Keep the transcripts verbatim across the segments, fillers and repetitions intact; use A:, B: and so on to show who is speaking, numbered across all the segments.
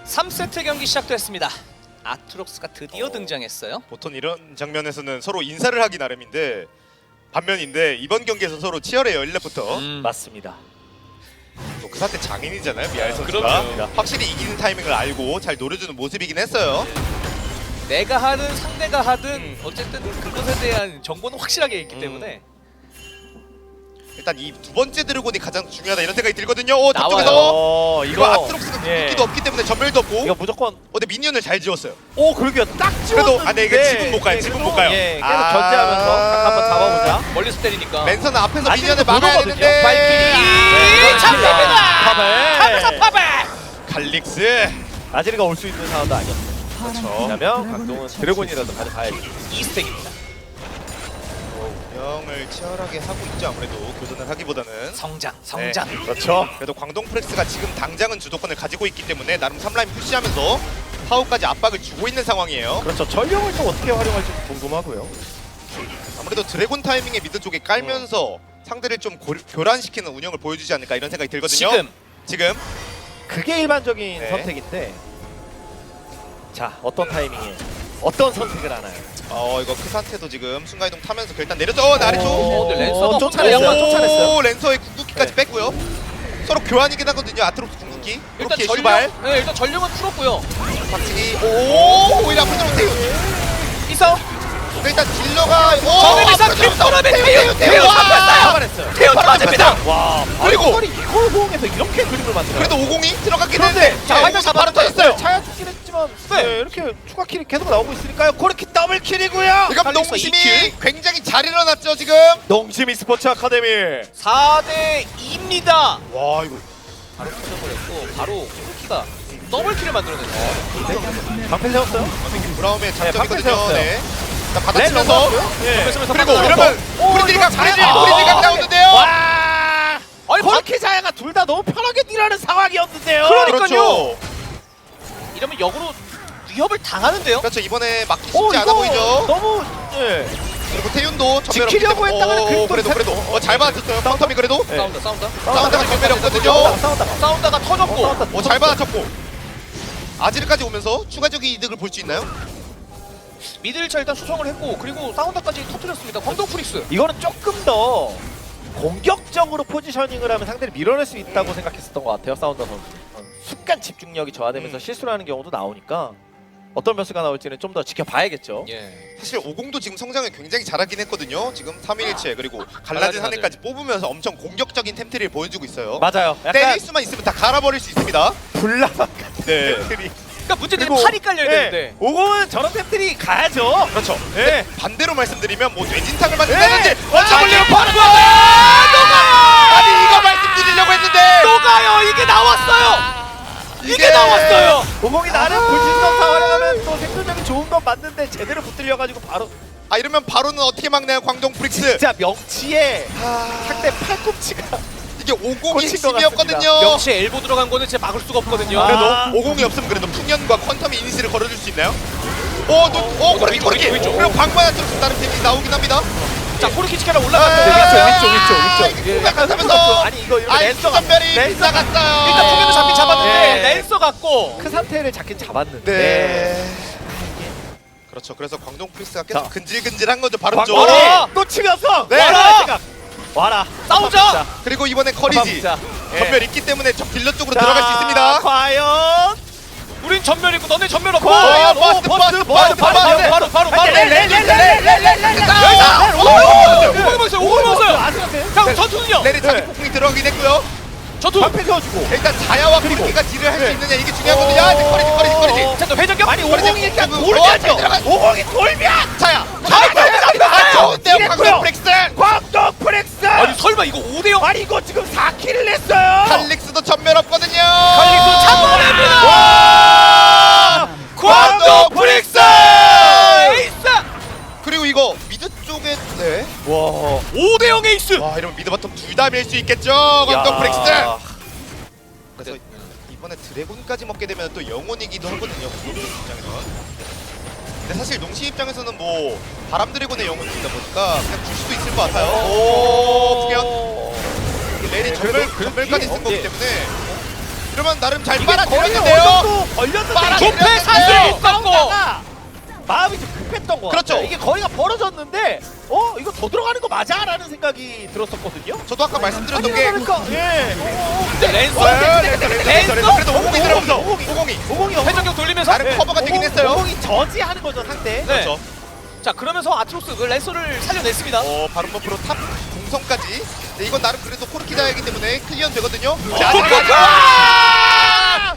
A: 삼 세트 경기 시작됐습니다. 아트록스가 드디어
B: 어.
A: 등장했어요.
B: 보통 이런 장면에서는 서로 인사를 하기 나름인데 반면인데 이번 경기에서 서로 치열해요. 일 렙부터.
A: 음.
C: 맞습니다.
B: 또 그 사태 장인이잖아요. 미알 선수가.
A: 그럼요.
B: 확실히 이기는 타이밍을 알고 잘 노려주는 모습이긴 했어요.
A: 내가 하든 상대가 하든
B: 음.
A: 어쨌든 그것에 대한 정보는 확실하게 있기
B: 음.
A: 때문에
B: 일단 이 두 번째 드래곤이 가장 중요하다 이런 생각이 들거든요. 오,
A: 나와요.
B: 저쪽에서
C: 어,
B: 이거 아트록스가
C: 예.
B: 궁극기도 없기 때문에 전멸도 없고.
C: 이거 무조건.
B: 어, 근데 미니언을 잘 지웠어요.
C: 오, 그러게요. 딱
B: 그래도
C: 찍었는데.
B: 아, 네, 이게 지금 못 가요.
C: 예,
B: 지금
C: 그래도,
B: 못 가요.
C: 예, 계속
B: 아.
C: 견제하면서 각 한번 잡아보자.
A: 멀리서 때리니까.
B: 랜선은 앞에서
C: 아직도
B: 미니언을
C: 못
B: 막아야
C: 오거든요.
B: 되는데.
C: 발키리.
A: 이 잡힙니다.
C: 파벨.
A: 하면서 파벨.
B: 갈릭스.
C: 아지르가 올 수 있는 상황도 아니었어요.
B: 그렇죠.
C: 왜냐면 강동은 드래곤이라도 가져가야죠.
A: 이 스택입니다.
B: 운영을 치열하게 하고 있죠. 아무래도 교전을 하기보다는.
A: 성장, 성장.
B: 네.
C: 그렇죠.
B: 그래도 광동 프렉스가 지금 당장은 주도권을 가지고 있기 때문에 나름 삼 라인 푸시하면서 파워까지 압박을 주고 있는 상황이에요.
C: 그렇죠. 전령을 또 어떻게 활용할지 궁금하고요.
B: 아무래도 드래곤 타이밍에 미드 쪽에 깔면서 상대를 좀 고, 교란시키는 운영을 보여주지 않을까 이런 생각이 들거든요.
A: 지금
B: 지금
C: 그게 일반적인
B: 네.
C: 선택인데. 자, 어떤 타이밍에 어떤 선택을 하나요?
B: 어 이거 크산테도 지금 순간이동 타면서 일단 내렸죠. 어, 아래쪽.
A: 어, 근데 랜서가
C: 쫓아냈어요.
A: 혼자 양반
C: 쫓아냈어요.
B: 오, 랜서의 궁극기까지
C: 네.
B: 뺐고요. 서로 교환이긴 하거든요. 아트록스 궁극기.
A: 일단
B: 그렇게
A: 전력,
B: 슈발.
A: 네, 일단 전력은 풀었고요.
B: 박치기. 오, 오히려 앞으로 들어오세요.
A: 이성,
B: 일단 딜러가 오,
A: 정은이상
B: 앞으로 들어오세요.
A: 김도람의
B: 태우,
A: 태우,
B: 태우,
A: 태우
B: 와!
A: 잡혔어요.
C: 잡아냈어요.
A: 태연 맞습니다.
C: 와,
B: 그리고-
C: 그리고 이걸 호응해서 이렇게 그림을 만들어요.
B: 그래도 오공이 들어갔긴
C: 그런데
B: 했는데
C: 자,
B: 자,
C: 화면
B: 오공이 바로 터졌어요.
C: 차야 죽긴 했지만
A: 네.
C: 네, 이렇게 추가 킬이 계속 나오고 있으니까요. 그렇게 더블 킬이고요.
B: 이건
A: 칼리스가 이
B: 농심이
A: 킬.
B: 굉장히 잘 일어났죠 지금.
C: 농심 e스포츠 아카데미.
A: 사 대 이입니다.
B: 와 이거
A: 바로 터져버렸고 바로 쿠키가 더블킬을 만들어냈어요.
C: 방패 세웠어요?
B: 브라움의
C: 방패
B: 장점이거든요.
C: 세웠어요.
B: 네. 자 받아치면서
C: 예.
A: 그러면서
B: 그리고
A: 빠져나가서.
B: 이러면
C: 오,
B: 프리딜이가
C: 이거 잘해.
B: 프리딜 프리딜 각 나오는데요.
C: 와.
A: 아니
C: 코르키 자야가 둘 다 너무 편하게 딜하는 상황이었는데요.
A: 그러니까요.
B: 그렇죠.
A: 이러면 역으로 위협을 당하는데요.
B: 그렇죠. 이번에 막기 쉽지
C: 오,
B: 않아
C: 이거
B: 보이죠.
C: 너무 예.
B: 그리고 태윤도 전멸
C: 지키려고
B: 없기 때문에-
C: 했다가는
B: 오,
C: 그래도
B: 그래도
C: 살-
B: 그래도 어, 잘 받아쳤어요. 펑텀이 그래도
C: 네.
A: 싸운다, 싸운다.
B: 싸운다가 전멸이 없거든요.
C: 싸우다가 싸우다가
A: 싸운다가 터졌고.
C: 싸우다가
B: 어, 잘 받아쳤고 아지르까지 오면서 추가적인 이득을 볼 수 있나요?
A: 미드 일 차 일단 수성을 했고 그리고 싸운다까지 터뜨렸습니다. 광동 프릭스.
C: 이거는 조금 더 공격적으로 포지셔닝을 하면 상대를 밀어낼 수 있다고 생각했었던 것 같아요. 사운더 선수. 순간 집중력이 저하되면서
B: 음.
C: 실수를 하는 경우도 나오니까 어떤 변수가 나올지는 좀 더 지켜봐야겠죠.
A: 예.
B: 사실 오공도 지금 성장을 굉장히 잘하긴 했거든요. 지금 삼 일일체 그리고
A: 갈라진
B: 갈라진 하늘까지 뽑으면서 엄청 공격적인 템트리를 보여주고 있어요.
C: 맞아요. 약간
B: 때릴 수만 있으면 다 갈아버릴 수 있습니다.
C: 불나방 같은
B: 네.
C: 템들이.
A: 그러니까 문제는
C: 그리고-
A: 팔이 깔려야
C: 네.
A: 되는데.
C: 오공은 저런 템들이 가야죠.
B: 그렇죠.
C: 네.
B: 반대로 말씀드리면 뭐 뇌진탕을 만든다든지
C: 네.
B: 원자물리를
C: 아니,
B: 파는
A: 녹아요!
B: 아니 이거 말씀드리려고 했는데
A: 녹아요. 이게 나왔어요. 이게,
B: 이게
A: 나왔어요.
C: 오공이 나름 불신성사 활용하면 또 생존력이 좋은 건 맞는데 제대로 붙들려가지고 바로
B: 아 이러면 바로는 어떻게 막나요 광동 프릭스.
C: 진짜 명치에
B: 아,
C: 상대 팔꿈치가
B: 이게 오공이
C: 꽂힌 것
B: 핵심이었거든요.
A: 명치 엘보 들어간 거는 진짜 막을 수가 없거든요.
C: 아.
B: 그래도 오공이 없으면 그래도 풍년과 퀀텀이 이니시를 걸어줄 수 있나요? 오, 또, 오,
A: 어,
B: 그렇게
A: 위쪽,
B: 그렇게.
A: 위쪽.
B: 그리고 방만한 쪽으로 다른 팀이 나오긴 합니다.
A: 자 코르키치카라
B: 아,
A: 올라갔어요.
C: 위쪽, 위쪽, 위쪽, 위쪽.
B: 예,
C: 약간
B: 생각하면서
C: 아니 이거 이렇게
B: 아이
C: 랜서가-
B: 전멸이
C: 랜서가-
B: 빗나갔어요.
A: 일단 통에도 잡긴 잡았는데
C: 네.
A: 랜서 같고.
C: 그 상태를 잡긴 잡았는데
B: 네. 그렇죠. 그래서 광동 프리스가 계속
C: 자.
B: 근질근질한 거죠. 바로
C: 광-
B: 쪽.
A: 와라!
C: 또 치면서
B: 네.
C: 와라 생각. 와라
A: 싸우자!
B: 그리고 이번에 커리지
C: 자,
B: 전멸 있기 때문에 저 딜러 쪽으로 들어갈 수 있습니다.
C: 과연
A: 우린 전멸 있고 너네 전멸 없고.
C: 과연
B: 오, 버스, 버스, 버스,
A: 바로
B: 버스.
A: 바로 바로 바로.
B: 자,
A: 오골 먹었어요. 오골 먹었어요.
C: 아슬한테
A: 형 전투는요.
B: 레리 자기
C: 네.
B: 폭풍이 들어가긴 했고요.
A: 전투.
C: 방패 세워주고
B: 일단 자야와 코르키가 딜을 할 수 있느냐 이게 중요하거든요. 야, 이제 커리지, 커리지, 커리지.
A: 자, 또 회전격.
C: 아니
B: 오공이
C: 오공이 일단
B: 지금
C: 돌면서
B: 어, 들어가-
C: 오공이 돌면
B: 자야.
C: 아,
B: 좋은데요,
C: 이랬고요.
B: 광동 프릭스.
C: 광동 프렉스
A: 아니 설마 이거 오 대 영?
C: 아니 이거 지금 사 킬을 냈어요.
B: 칼릭스도 전멸 없거든요.
A: 칼릭스 잡아냅니다.
C: 와!
A: 광동 프릭스 에이스.
B: 그리고 이거 미드 쪽에 네.
C: 와.
A: 오 대 영 에이스.
B: 와 이러면 미드 바텀 둘 다 밀 수 있겠죠. 광동 프릭스. 그래서 이번에 드래곤까지 먹게 되면 또 영혼이기도 하거든요. 농심 입장에서는. 근데 사실 농심 입장에서는 뭐 바람 드래곤의 영혼이다 보니까 그냥 줄 수도 있을 것 같아요. 오, 풍연. 레리 전멸
C: 그래도
B: 전멸까지 쓴
C: 어,
B: 거기
C: 예.
B: 때문에 이러면 나름 잘
C: 이게 거의 어느
B: 빨아들였는데요.
C: 정도 걸렸는데
B: 빨아들였는데요.
A: 조패 사슬이 있었고
C: 싸우다가 마음이 좀 급했던 거
B: 그렇죠.
C: 같아요. 이게 거리가 벌어졌는데 어 이거 더 들어가는 거 맞아? 라는 생각이 들었었거든요.
B: 저도 아까 말씀드렸던 게
C: 그러니까 예.
A: 근데 랜서
B: 어, 렌서, 렌서, 렌서, 렌서. 그래도 오공이 들어오면서
C: 오공이.
B: 오공이
C: 오공이
A: 회전격 돌리면서
B: 나름 커버가 되긴 했어요.
C: 오공이 저지하는 거죠 상대.
A: 네.
B: 그렇죠.
A: 자 그러면서 아트록스 그 랜서를 살려냈습니다.
B: 어 바로 버프로 탑 공성까지. 네, 이건 나름 그래도 코르키다이기 때문에 클리어는 되거든요. 자,
A: 어,
B: 아직
A: 아!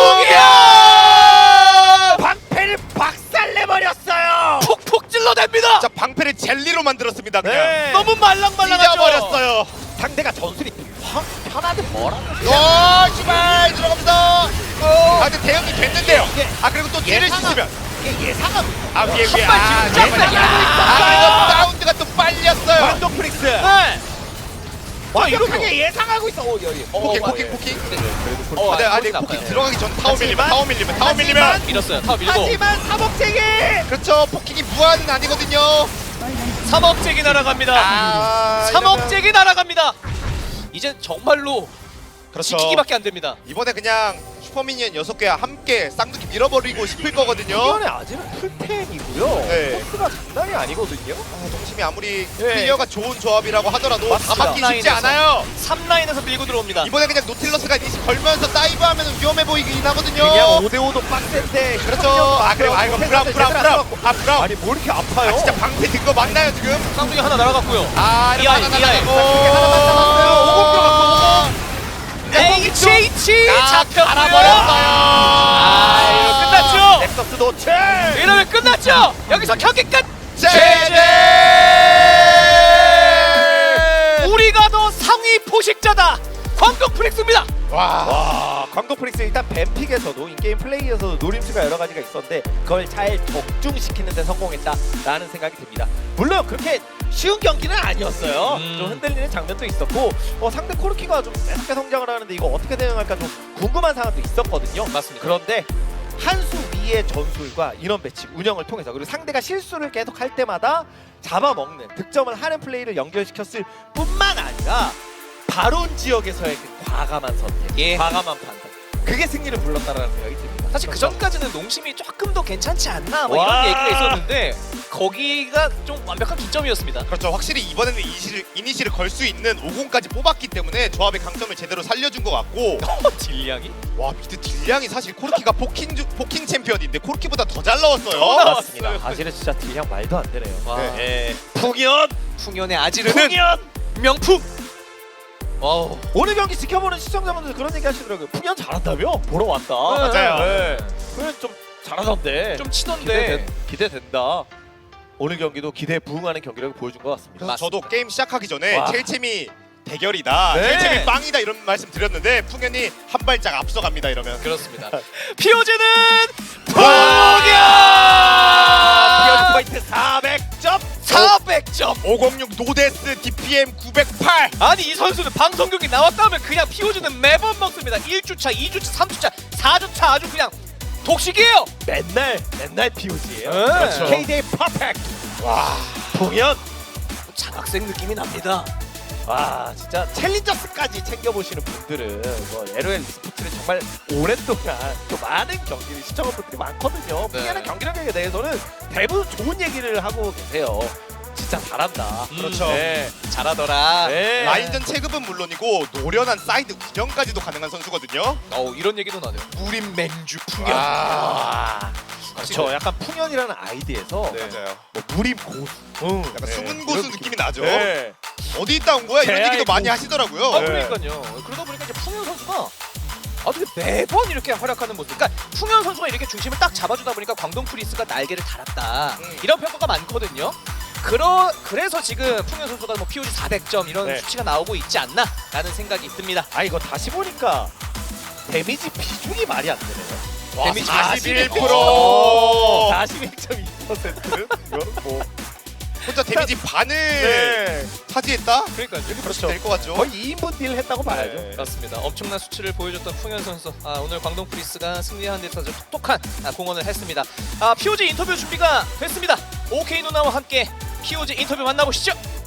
B: 후기야!
C: 방패를 박살내버렸어요.
A: 푹푹 찔러댑니다.
B: 자 방패를 젤리로 만들었습니다. 그냥
C: 네.
A: 너무 말랑말랑하죠.
B: 찢어버렸어요.
C: 상대가 전술이 확 편하게 뭐라고.
B: 와 씨발 들어갑니다. 아 근데 대응이 됐는데요.
C: 이게
B: 아 그리고 또 뒤를
C: 예상하-
B: 씻으면
C: 이게 예상하고
B: 아 위에 위에
A: 한 발
B: 아
A: 뒤로
B: 잠깐만요.
A: 쫙
B: 아 그리고 사운드가 또 빨렸어요.
C: 광동 프릭스
A: 네.
C: 완벽하게 예상하고 있어. 오 여기.
B: 포킹
A: 어,
B: 포킹
A: 예.
B: 포킹.
A: 어,
B: 아, 네,
A: 아,
B: 아니
A: 나빠요.
B: 포킹 들어가기 전 타워 밀리면
C: 하지만-
B: 타워 밀리면 타워 밀리면
C: 하지만-
A: 밀었어요. 타워 밀고
C: 하지만 사복제기.
B: 그렇죠. 포킹이 무한은 아니거든요.
A: 삼억잭이 날아갑니다.
B: 아
A: 삼억잭이 날아갑니다. 이제 정말로
B: 그렇죠.
A: 지키기밖에 안 됩니다.
B: 이번에 그냥 슈퍼미니언 여섯 개와 함께 쌍둥이 밀어버리고 싶을 거거든요.
C: 이번에 아직은 풀텐이고요.
B: 네.
C: 코스가 장난이 아니거든요.
B: 아, 동심이 아무리
C: 네.
B: 클리어가 좋은 조합이라고 하더라도 다
C: 맞습니다.
B: 막기 쉽지
A: 라인에서.
B: 않아요.
A: 삼 라인에서 밀고 들어옵니다.
B: 이번에 그냥 노틸러스가 이니시 걸면서 다이브하면 위험해 보이긴 하거든요.
C: 그냥 오 대 오도 빡센데.
B: 그렇죠. 아 그리고 아 이거 브라운 브라운 브라운 아 브라운.
C: 아니 뭐 이렇게 아파요?
B: 아 진짜 방패 든 거 맞나요 지금?
A: 쌍둥이 하나 날아갔고요.
B: 아 이거
A: 이하이,
B: 하나
A: 이하이.
B: 나가고
C: 이게 하나만 남았어요. 오공 들어갔고.
A: 에이치 에이치
B: 아,
A: 잡혔고요.
B: 갈아버렸어요.
A: 아 이거 끝났죠.
C: 넥서스 노체.
A: 이러면 끝났죠. 여기서 경기 끝.
B: 제제.
A: 우리가 더 상위 포식자다. 광동 프릭스입니다.
B: 와.
C: 와, 광동 프릭스 일단 뱀픽에서도 인게임 플레이에서도 노림수가 여러 가지가 있었는데 그걸 잘 적중시키는 데 성공했다라는 생각이 듭니다. 물론 그렇게 쉬운 경기는 아니었어요.
A: 음.
C: 좀 흔들리는 장면도 있었고 어, 상대 코르키가 좀 매섭게 성장을 하는데 이거 어떻게 대응할까 좀 궁금한 상황도 있었거든요.
A: 맞습니다.
C: 그런데 한 수 위의 전술과 인원 배치, 운영을 통해서 그리고 상대가 실수를 계속 할 때마다 잡아먹는 득점을 하는 플레이를 연결시켰을 뿐만 아니라 바론 지역에서의 그 과감한 선택,
A: 예.
C: 과감한 판단 그게 승리를 불렀다라는 생각이 듭니다.
A: 사실 그 전까지는 농심이 조금 더 괜찮지 않나 뭐
C: 와.
A: 이런 얘기가 있었는데 거기가 좀 완벽한 기점이었습니다.
B: 그렇죠. 확실히 이번에는 이니시를, 이니시를 걸 수 있는 오공까지 뽑았기 때문에 조합의 강점을 제대로 살려준 것 같고
A: 딜량이
B: 와 미드 딜량이 사실 코르키가 포킹 주, 포킹 챔피언인데 코르키보다 더 잘 나왔어요.
A: 더 나왔어요.
C: 맞습니다. 사실은 진짜 딜량 말도 안 되네요.
A: 와.
B: 네.
C: 예. 풍연,
A: 풍년의 아지르는
C: 풍연.
A: 명품. 와우.
C: 오늘 경기 지켜보는 시청자분들 그런 얘기 하시더라고요. 풍연 잘한다며? 보러 왔다.
B: 맞아요.
C: 네. 풍연 좀 잘하던데.
A: 좀 치던데.
C: 기대 기대된다. 오늘 경기도 기대에 부응하는 경기라고 보여준 것 같습니다.
B: 그래서 저도 게임 시작하기 전에
C: 와.
B: 첼챔이 대결이다,
C: 네.
B: 첼챔이 빵이다 이런 말씀 드렸는데 풍현이 한 발짝 앞서갑니다 이러면.
A: 그렇습니다. 피오즈는
C: 풍연!
A: 풍년
C: 포인트 사백 점.
A: 사백 점.
B: 오공육 노데스 디피엠 구백팔.
A: 아니 이 선수는 방송 경기 나왔다 하면 그냥 피오즈는 매번 먹습니다. 일 주차, 이 주차, 삼 주차, 사 주차 아주 그냥 독식이에요.
C: 맨날 맨날 피오지예요.
A: 네.
B: 그렇죠.
C: 케이데이 퍼펙트.
B: 와.
C: 풍연.
A: 장학생 느낌이 납니다.
C: 와 진짜 챌린저스까지 챙겨보시는 분들은 뭐 엘오엘 스포츠를 정말 오랫동안 또 많은 경기를 시청한 분들이 많거든요.
A: 네.
C: 풍년의 경기력에 대해서는 대부분 좋은 얘기를 하고 계세요. 진짜 잘한다.
B: 그렇죠.
C: 네.
A: 잘하더라.
C: 네.
B: 라인전 체급은 물론이고 노련한 사이드 운영까지도 가능한 선수거든요.
A: 어 이런 얘기도 나네요. 무림 맹주 풍년.
B: 아.
C: 그렇죠. 약간 풍년이라는 아이디에서
B: 네. 맞아요.
C: 뭐 무림 고수, 응.
B: 약간
C: 네.
B: 숨은 고수
C: 이런
B: 느낌이 나죠.
C: 네.
B: 어디 있다 온 거야? 이런
C: 제아의
B: 얘기도 많이
C: 고-
B: 하시더라고요.
A: 아
C: 네.
A: 그러니까요. 그러다 보니까 이제 풍현 선수가 어떻게 매번 이렇게 활약하는 모습. 그러니까 풍현 선수가 이렇게 중심을 딱 잡아주다 보니까 광동 프리스가 날개를 달았다.
B: 음.
A: 이런 평가가 많거든요. 그러 그래서 지금 풍현 선수가 뭐 피오지 사백 점 이런
C: 네.
A: 수치가 나오고 있지 않나라는 생각이 듭니다.
C: 아 이거 다시 보니까 데미지 비중이 말이 안 되네요.
B: 와,
A: 데미지
B: 사십일
A: 사십일
B: 퍼센트.
C: 사십일 점 이 퍼센트는 이거는 뭐
B: 혼자 데미지 반을
C: 네.
B: 차지했다?
A: 그러니까요.
B: 그렇죠. 될것 같죠.
C: 거의 이 인분 딜 했다고 봐야죠.
B: 네.
A: 그렇습니다. 엄청난 수치를 보여줬던 풍현 선수. 아, 오늘 광동 프리스가 승리하는 데 있어서 톡톡한 아, 공헌을 했습니다. 아, 피오지 인터뷰 준비가 됐습니다. 오케이 누나와 함께 피오지 인터뷰 만나보시죠.